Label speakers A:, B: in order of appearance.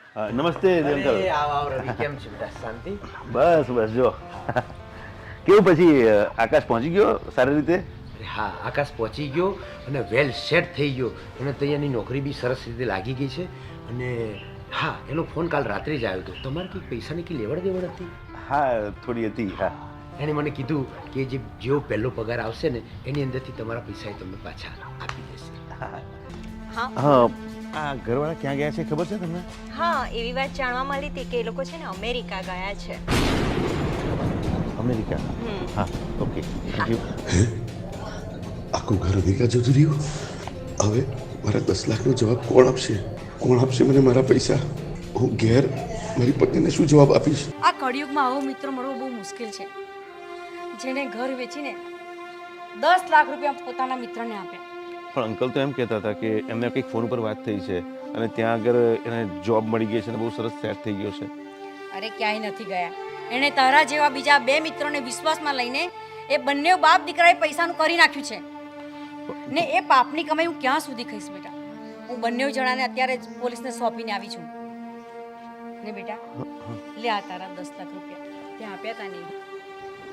A: નમસ્તે અંકલ.
B: આવ રવિ, કેમ છે બેટા? શાંતિ?
A: બસ બસ જો કેવું પછી આકાશ પહોંચી ગયો સારી રીતે?
B: હા, આકાશ પહોંચી ગયો અને વેલ સેટ થઈ ગયો. એને તો અહીંયાની નોકરી બી સરસ રીતે લાગી ગઈ છે. અને હા, એનો ફોન કાલ રાત્રે જ આવ્યો હતો. તમારે કંઈક પૈસાની કંઈ લેવડ દેવડ હતી?
A: હા થોડી હતી. હા
B: એણે મને કીધું કે જેવો પહેલો પગાર આવશે ને એની અંદરથી તમારા પૈસા એ તમને પાછા આપી દેશે.
C: હા
A: આ ઘરવાળા ક્યાં ગયા છે ખબર છે તમને?
C: હા, એવી વાત જાણવા મળી હતી કે એ લોકો છે ને અમેરિકા ગયા છે.
A: અમેરિકા? હા ઓકે થેન્ક યુ.
D: આખું ઘર અમેરિકા જતું રહ્યું. હવે મારા 10 લાખનો જવાબ કોણ આપશે? કોણ આપશે મને મારા પૈસા? હું ઘેર મારી પત્નીને શું જવાબ આપીશ?
E: આ કળિયુગમાં આવો મિત્ર મળવો બહુ મુશ્કેલ છે, જેને ઘર વેચીને 10 લાખ રૂપિયા પોતાના મિત્રને આપ્યા.
A: પણ અંકલ તો એમ કહેતા હતા કે એમને કંઈક ફોન પર વાત થઈ છે અને ત્યાં આગળ એને જોબ મળી ગઈ છે અને બહુ સરસ સેટ થઈ ગયો છે.
E: અરે ક્યાંય નથી ગયા. એણે તારા જેવા બીજા 2 મિત્રોને વિશ્વાસમાં લઈને એ બંને બાપ દીકરાએ પૈસાનું કરી નાખ્યું છે. ને એ પાપની કમાઈ હું ક્યાં સુધી ખાઈશ બેટા? હું બંને જણાને અત્યારે જ પોલીસને સોંપીને આવી છું. ને બેટા લે આ તારા 10 લાખ રૂપિયા ત્યાં આપ્યા તા નહીં.